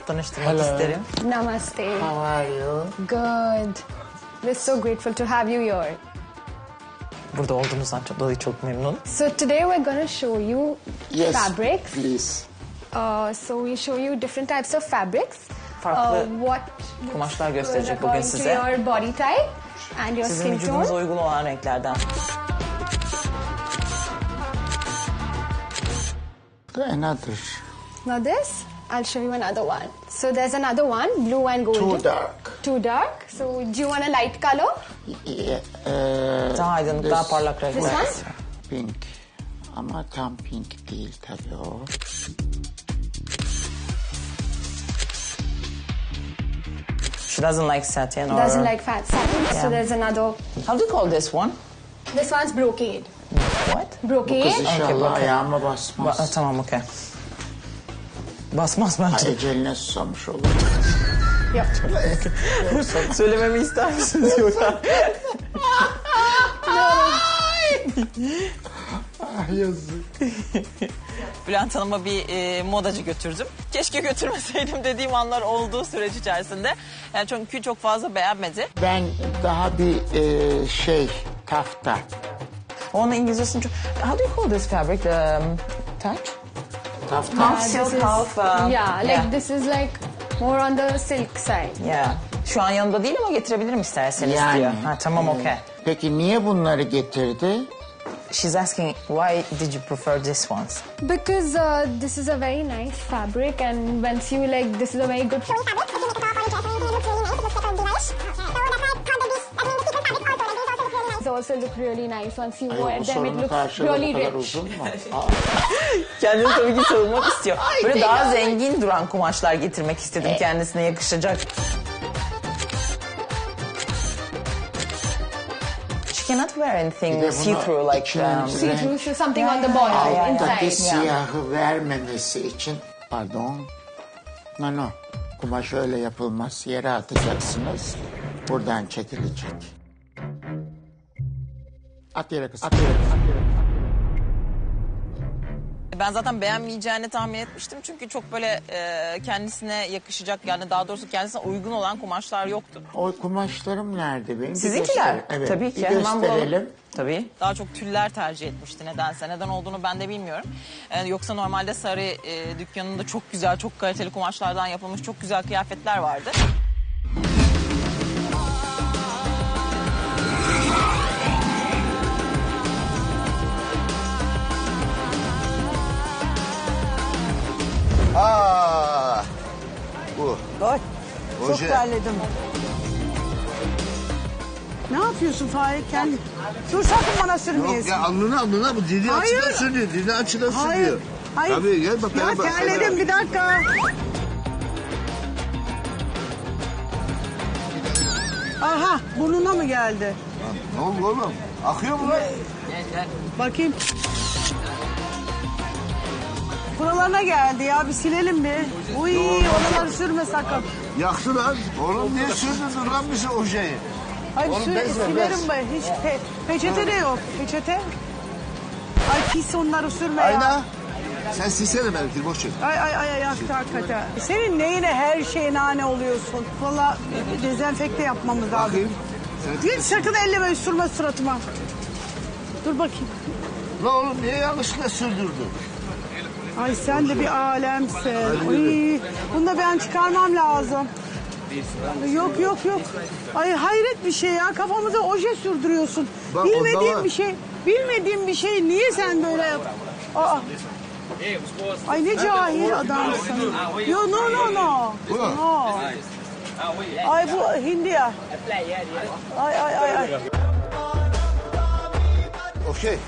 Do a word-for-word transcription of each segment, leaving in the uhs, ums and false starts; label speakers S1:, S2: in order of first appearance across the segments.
S1: tanıştırmak
S2: Hello.
S1: isterim.
S3: Namaste.
S2: How are you?
S3: Good. We're so grateful to have you here.
S1: Burada olduğunuzdan çok, dolayı çok memnun.
S3: So today we're going to show you
S2: Yes,
S3: fabrics.
S2: please.
S3: Uh, so we show you different types of fabrics.
S1: Farklı
S3: uh, what
S1: kumaşlar
S3: looks
S1: gösterecek
S3: good
S1: bugün
S3: according
S1: size.
S3: to your body type and your
S1: Sizin
S3: skin
S1: vücudunuza
S3: tone.
S1: uygun olan renklerden.
S2: Another.
S3: Now this, I'll show you another one. So there's another one, blue and golden.
S2: Too dark.
S3: Too dark. So do you want a light color?
S2: Yeah, uh,
S1: Daha aydınlık,
S2: this-
S1: daha parlak
S3: This
S1: renkler.
S3: one?
S2: Pink. Ama tam pink değil tabii o.
S1: She doesn't like satin or...
S3: Doesn't like fat satin.
S1: Yeah.
S3: So there's another.
S1: How do you call this one?
S3: This one's brocade.
S1: What?
S2: Bu
S3: Brocade.
S2: kız inşallah
S1: okay.
S2: ayağıma
S1: Ba-
S2: basmaz.
S1: tamam, okey. Basmaz bence.
S2: Eceline susamış olur.
S3: Yep.
S1: Söylememi ister misiniz yoksa?
S2: Ah yazık.
S1: Bülent Hanım'a bir e, modacı götürdüm. Keşke götürmeseydim dediğim anlar olduğu süreç içerisinde. Yani çünkü çok fazla beğenmedi.
S2: Ben daha bir e, şey tafta.
S1: Onun İngilizcesini çok... How do you call this fabric? The um, touch?
S2: Tafta.
S1: Half
S3: Uh,
S1: silk,
S3: this is-
S1: half... um,
S3: yeah, like
S1: yeah.
S3: this is like more on the silk side.
S1: Yeah. Şu an yanında değil ama getirebilirim isterseniz
S2: Yani.
S1: diyor. Ha, tamam, okey.
S2: Peki niye bunları getirdi?
S1: She's asking why did you prefer this ones?
S3: Because uh, this is a very nice fabric, and once you like, this is a very good. These also look really nice once you
S2: Ay,
S3: wear
S2: bu
S3: them. It
S2: sorunun
S3: looks
S2: karşılığı
S3: really
S2: bu kadar
S3: rich.
S2: uzun mu? Aa,
S1: Kendini tabii ki savunmak istiyor. Böyle daha zengin duran kumaşlar getirmek istedim kendisine yakışacak. She cannot wear
S2: Bir
S1: anything
S2: de bunu
S1: see-through like...
S2: içine-
S1: Um,
S3: See through, so something on the body
S1: yeah, yeah.
S3: inside.
S2: Alttaki siyahı vermemesi için, pardon, no no, kumaş öyle yapılmaz, yere atacaksınız, buradan çekilecek. At yere kız, at yere kız, at yere kız.
S1: Ben zaten beğenmeyeceğini tahmin etmiştim. Çünkü çok böyle e, kendisine yakışacak, yani daha doğrusu kendisine uygun olan kumaşlar yoktu.
S2: O kumaşlarım nerede benim? Bir
S1: Sizinkiler?
S2: göster- Evet,
S1: Tabii ki.
S2: bir
S1: Hemen
S2: gösterelim.
S1: bulalım. Tabii. Daha çok tüller tercih etmişti nedense. Neden olduğunu ben de bilmiyorum. Ee, yoksa normalde sarı e, dükkanında çok güzel, çok kaliteli kumaşlardan yapılmış çok güzel kıyafetler vardı.
S4: Aa, bu.
S5: Ay, çok
S4: Oje.
S5: terledim. Ne yapıyorsun Faik kendi? Dur sakın bana
S4: Yok
S5: sürmeyesin.
S4: ya alnına alnına bu dili
S5: Hayır.
S4: açıdan sürüyor. Dili açıdan
S5: Hayır.
S4: sürüyor.
S5: Hayır.
S4: Tabii gel bak.
S5: Ya
S4: bana bak,
S5: terledim
S4: bana
S5: bir dakika. Aha burnuna mı geldi?
S4: bak. Ne oldu oğlum? Akıyor mu lan?
S5: Bakayım. Buralarına geldi ya bir silelim bir. Uy oraları sürme sakın.
S4: Yaktı lan. Oğlum niye sürdün lan bize o şeyi?
S5: Hayır
S4: Oğlum
S5: sür,
S4: bez ver,
S5: silerim
S4: bez.
S5: ben. Hiç pe peçete de yok. Peçete. Ay pis onları sürme ya.
S4: Ayna. Sen silsene benimkini boş ver.
S5: Ay ay ay ay yaktı hakikaten. Senin neyine her şeye nane oluyorsun? Valla dezenfekte yapmamız lazım.
S4: Bakayım. Sen
S5: Hiç sakın elleme sürme suratıma. Dur bakayım.
S4: Lan oğlum niye yanlışlıkla sürdürdün?
S5: Ay sen de bir alemsin. Ay, bunu da ben çıkarmam lazım. Yok yok yok. Ay hayret bir şey ya. Kafamıza oje sürdürüyorsun.
S4: Bak, onda
S5: Bilmediğim
S4: var.
S5: bir şey. Bilmediğim bir şey. Niye sen böyle yap? Aa. Ay ne cahil adamsın. Yo no no no.
S4: Bu.
S5: No. Ay bu Hindiya. Ay ay ay ay.
S4: Okey.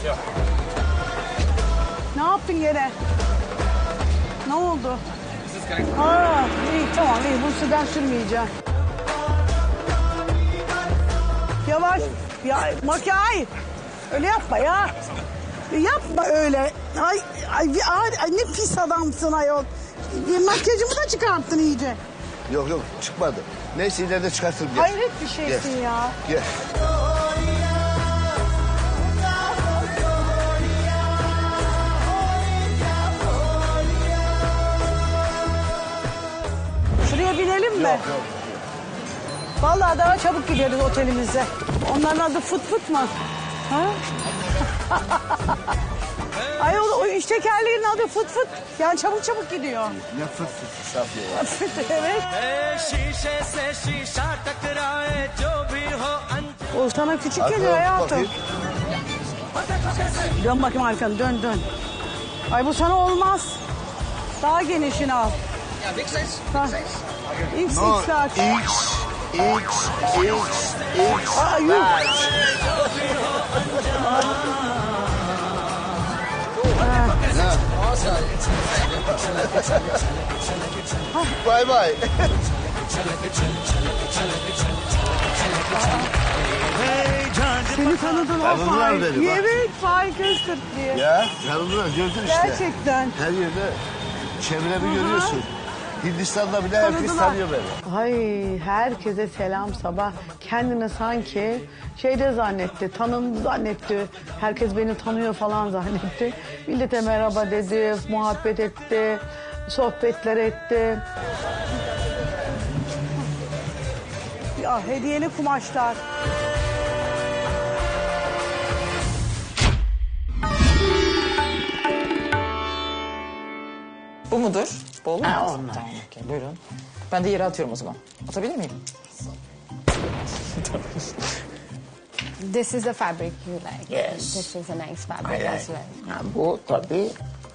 S5: Ne yaptın gene? Ne oldu? Aa, iyi tamam iyi bunu sudan sürmeyeceğim. Yavaş. Ya makyaj. Öyle yapma ya. Yapma öyle. Ay, ay, bir- ay, ay ne pis adamsın ayol. Bir makyajımı da çıkarttın iyice.
S4: Yok yok çıkmadı. Neyse ileride çıkartırım. Gel.
S5: Hayret bir şeysin
S4: Gel.
S5: ya.
S4: Gel.
S5: Şuraya binelim mi?
S4: Yok yok.
S5: Vallahi daha çabuk gideriz otelimize. Onların adı Fıt Fıt mı? Ha? Ay o, o üç tekerleğin adı Fıt Fıt. Yani çabuk çabuk gidiyor.
S4: Ne fıt fıt Safiye ya.
S5: Evet.
S6: शीशे से शीशा टकराए जो भी हो
S5: O sana küçük
S4: Arkaya
S5: geliyor hayatım.
S4: bakayım.
S5: Dön bakayım arkanı, dön dön. Ay bu sana olmaz. Daha genişini al.
S6: Ya big size.
S5: Ha. X,
S4: No,
S5: X large.
S4: X, X, X, X.
S5: Aa, yuh.
S4: Bay bay.
S5: Seni tanıdılar
S4: Tanıdılar
S5: Faik.
S4: beni, bak.
S5: Evet Faik Öztürk diye.
S4: Ya yanımda gördün işte.
S5: Gerçekten.
S4: Her yerde çevremi görüyorsun. Hindistan'da bile herkes
S5: Tanıdılar.
S4: tanıyor beni.
S5: Ay herkese selam sabah. Kendini sanki şeyde zannetti, tanındı zannetti. Herkes beni tanıyor falan zannetti. Millete merhaba dedi, muhabbet etti, sohbetler etti. Ya hediyeli kumaşlar.
S1: Bu mudur? Bu olur mu?
S2: Ha, onlar.
S1: Tamam, okey, buyurun. Ben de yere atıyorum o zaman. Atabilir miyim?
S3: This is the fabric you like.
S2: Yes.
S3: This is a nice fabric
S2: Ay, ay.
S3: as well.
S2: Ha, bu tabii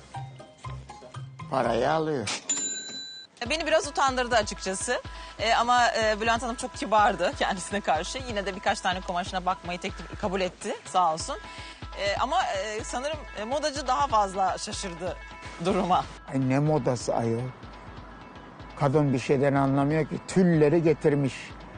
S2: parayı alıyor.
S1: Beni biraz utandırdı açıkçası. Ee, ama e, Bülent Hanım çok kibardı kendisine karşı. Yine de birkaç tane kumaşına bakmayı teklif kabul etti sağ olsun. Ee, ama e, sanırım e, modacı daha fazla şaşırdı duruma.
S2: Ay ne modası ayol. Kadın bir şeyden anlamıyor ki. Tülleri getirmiş.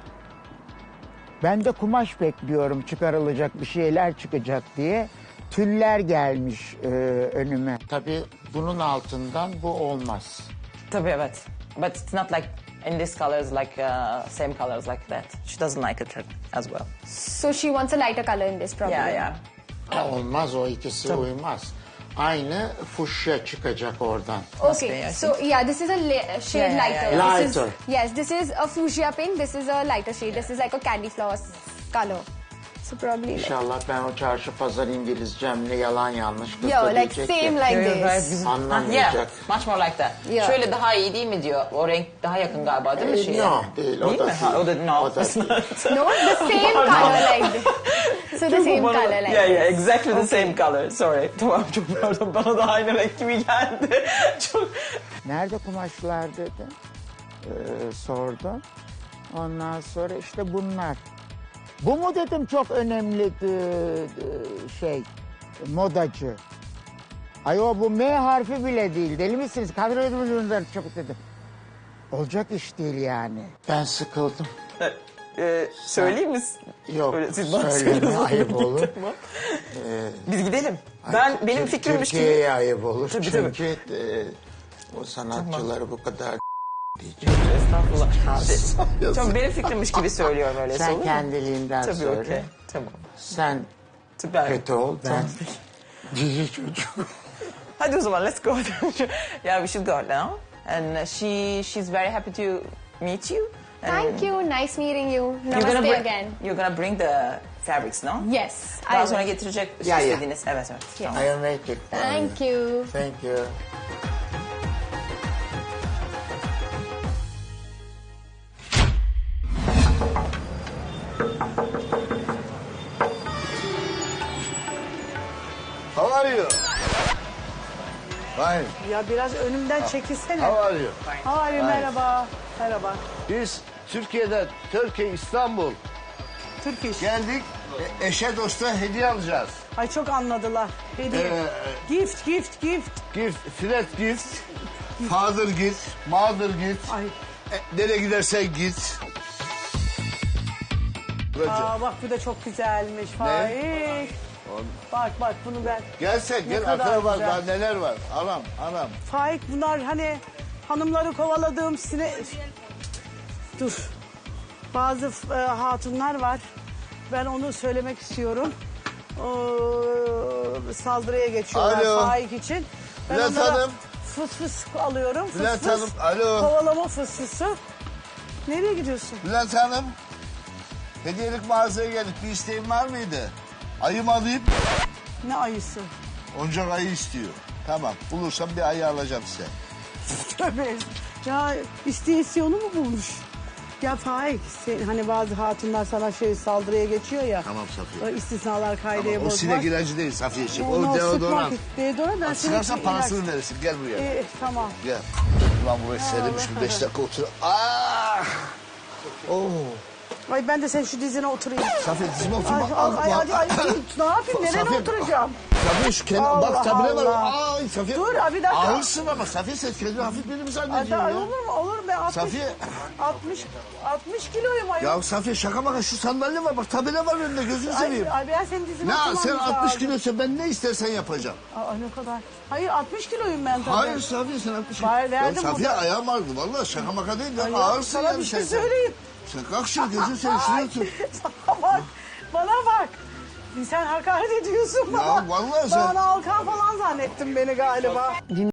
S2: Ben de kumaş bekliyorum çıkarılacak bir şeyler çıkacak diye. Tüller gelmiş e, önüme. Tabii bunun altından bu olmaz.
S1: Tabii evet. But it's not like in this colors like uh, same colors like that. She doesn't like it as well.
S3: So she wants a lighter color in this probably.
S1: Yeah, yeah.
S2: Ha, olmaz o ikisi uymaz. Aynı fuşya çıkacak oradan.
S3: Okay, so yeah, this is a la- shade
S1: Yeah, yeah,
S3: lighter.
S2: yeah.
S3: This is,
S2: Lighter.
S3: yes, this is a fuchsia pink. This is a lighter shade. This is like a candy floss color. So probably like,
S2: İnşallah ben o çarşı pazar İngilizcemle yalan yanlış kız
S3: yeah,
S2: da
S3: like
S2: diyecek
S3: same
S2: ki,
S3: like
S1: You're right,
S3: this.
S1: bizim-
S2: Anlamayacak.
S1: Yeah, much more like that.
S3: Yeah.
S1: Şöyle daha iyi değil mi diyor. O renk daha yakın galiba değil mi
S2: Ee,
S1: şeye?
S2: no, değil, o
S1: Değil
S2: da
S1: mi?
S2: değil.
S1: Ha, o da no.
S2: O da
S1: it's
S2: değil.
S1: not.
S3: No, the same color like this. So the same
S1: Bana-
S3: color like
S1: Yeah, yeah,
S3: this.
S1: exactly the same color. Sorry. Tamam çok pardon. Bana da aynı renk gibi geldi. Çok...
S2: Nerede kumaşlar dedi. Ee, sordum. Ondan sonra işte bunlar. Bu mu dedim çok önemli e, e, şey modacı. Ay o bu M harfi bile değil. Deli misiniz? Kadro çabuk dedim. Olacak iş değil yani. Ben sıkıldım.
S1: Ee, söyleyeyim mi?
S2: Yok
S1: Öyle siz bana
S2: söyleme
S1: söylüyorsunuz.
S2: ayıp olur.
S1: Tamam. Biz gidelim. Ben benim
S2: Tür-
S1: fikrimmiş gibi.
S2: Türkiye'ye ayıp olur.
S1: Tabii, tabii.
S2: Çünkü e, o sanatçıları bu kadar diyeceğim.
S1: Estağfurullah. Tamam benim fikrimmiş gibi söylüyorum öyle.
S2: Sen
S1: olur mu?
S2: kendiliğinden
S1: Tabii
S2: söyle.
S1: okey. Tamam.
S2: Sen
S1: Süper.
S2: kötü ol. Ben cici çocuk.
S1: Hadi o zaman let's go. Yeah, we should go now. And uh, she she's very happy to meet you. And
S3: Thank you. Nice meeting you.
S1: You're gonna
S3: Namaste
S1: bring,
S3: again.
S1: You're gonna bring the fabrics, no?
S3: Yes,
S1: Daha
S3: I
S1: sonra
S3: will.
S1: getirecek
S2: Ya, ya.
S1: istediğiniz. Evet evet. Tamam.
S2: I will make it for
S3: Thank
S2: you.
S3: you.
S2: Thank you.
S4: How are you? Fine.
S5: Ya biraz önümden çekilsene.
S4: How are you?
S5: How are you? Merhaba. Merhaba.
S4: Biz Türkiye'den, Türkiye, İstanbul
S5: Türk iş.
S4: geldik. E, eşe dosta hediye alacağız.
S5: Ay çok anladılar. Hediye.
S4: Ee,
S5: Gift, gift, gift.
S4: Gift, flat gift, father gift, mother gift.
S5: Ay.
S4: E, nereye gidersen git.
S5: Aa, bak bu da çok güzelmiş Faik. Bak bak bunu ben.
S4: Gel sen
S5: Ne
S4: gel
S5: kadar
S4: akraba
S5: güzel.
S4: daha neler var. Anam anam.
S5: Faik bunlar hani hanımları kovaladığım sine... Dur. Bazı e, hatunlar var. Ben onu söylemek istiyorum. O, saldırıya geçiyorlar
S4: Alo.
S5: Faik için. Ben
S4: Bülent
S5: onlara
S4: Hanım.
S5: fıs fıs alıyorum. Fıs
S4: Bülent
S5: fıs.
S4: Hanım, alo.
S5: Kovalama fıs fısı. Nereye gidiyorsun?
S4: Bülent Hanım, hediyelik mağazaya geldik. Bir isteğin var mıydı? Ayımı alayım.
S5: Ne ayısı?
S4: Oyuncak ayı istiyor. Tamam, bulursam bir ayı alacağım size.
S5: Tövbe. Ya isteyesi onu mu bulmuş? Ya Faik, sen, hani bazı hatunlar sana şey saldırıya geçiyor ya.
S4: Tamam Safiye.
S5: O istisnalar kaydeye
S4: Ama o
S5: bozmak.
S4: sinek ilacı değil Safiye'ciğim.
S5: Onu
S4: O deodorant.
S5: sıkmak- Deodorant ben
S4: Bak,
S5: sinek
S4: sıkarsan parasını verirsin. Gel buraya.
S5: Ee, tamam.
S4: Gel. Ulan buraya serimiş bir beş dakika otur. Ah! Oo.
S5: Ay ben de sen şu dizine oturayım.
S4: Safiye dizime otur.
S5: Ay,
S4: bak,
S5: ay, ay,
S4: bak.
S5: ay, ay, dur, ne yapayım? Nereye
S4: Safiye,
S5: oturacağım?
S4: Safiye şu kenar,
S5: Allah
S4: bak tabire var.
S5: Allah.
S4: Ay Safiye.
S5: Dur, abi, bir dakika.
S4: Ağırsın ama Safiye sen kendini hafif biri mi
S5: Ay,
S4: zannediyorsun
S5: da-
S4: ya?
S5: olur mu? Olur ben altmış,
S4: Safiye.
S5: altmış, altmış kiloyum ayol.
S4: Ya Safiye şaka maka şu sandalye var bak tabela var önünde gözünü seveyim.
S5: Ay, ay ben senin dizine
S4: Ne
S5: oturmam
S4: sen altmış
S5: lazım.
S4: kilosun ben ne istersen yapacağım.
S5: Aa, ne kadar? Hayır altmış kiloyum ben tabii.
S4: Hayır Safiye sen altmış kilo.
S5: Hayır,
S4: Ya
S5: verdim
S4: Safiye
S5: burada.
S4: ayağım ağrıdı vallahi şaka maka değil ya
S5: Ay,
S4: ağırsın
S5: sana
S4: yani
S5: bir şey
S4: sen.
S5: söyleyeyim.
S4: Sen kalk şuraya gözünü seveyim şuraya otur.
S5: Sana bak, bana bak. Sen hakaret ediyorsun bana.
S4: vallahi sen-
S5: Bana Alkan falan zannettin beni galiba.